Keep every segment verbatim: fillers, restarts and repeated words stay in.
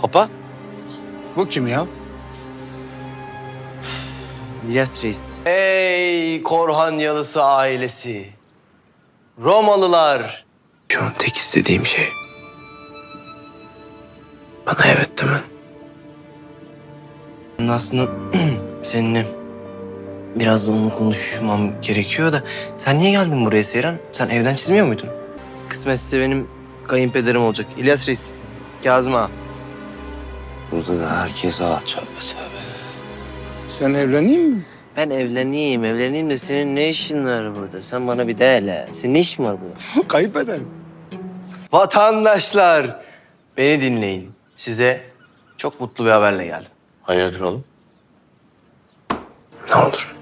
Papa? Bu kim ya? İlyas Reis. Ey Korhan Yalısı ailesi. Romalılar. Şu an tek istediğim şey bana evet demen. Aslında seninle biraz da onu konuşmam gerekiyor da sen niye geldin buraya Seyran? Sen evden çizmiyor muydun? Kısmetse benim kayınpederim olacak. İlyas Reis. Kazım ağa. Burada da herkes ağa tövbe tövbe. Sen evleneyim mi? Ben evleneyim, evleneyim de senin ne işin var burada? Sen bana bir de hele. Senin ne işin var burada? Kayıp ederim. Vatandaşlar. Beni dinleyin. Size çok mutlu bir haberle geldim. Hayırdır oğlum? Ne olur.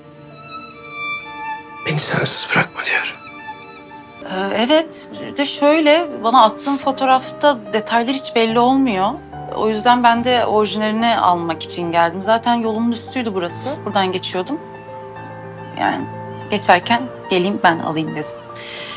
Beni sensiz bırakma diyorum. Ee, Evet, de şöyle bana attığın fotoğrafta detaylar hiç belli olmuyor. O yüzden ben de orijinalini almak için geldim. Zaten yolumun üstüydü burası. Buradan geçiyordum. Yani geçerken geleyim ben alayım dedim.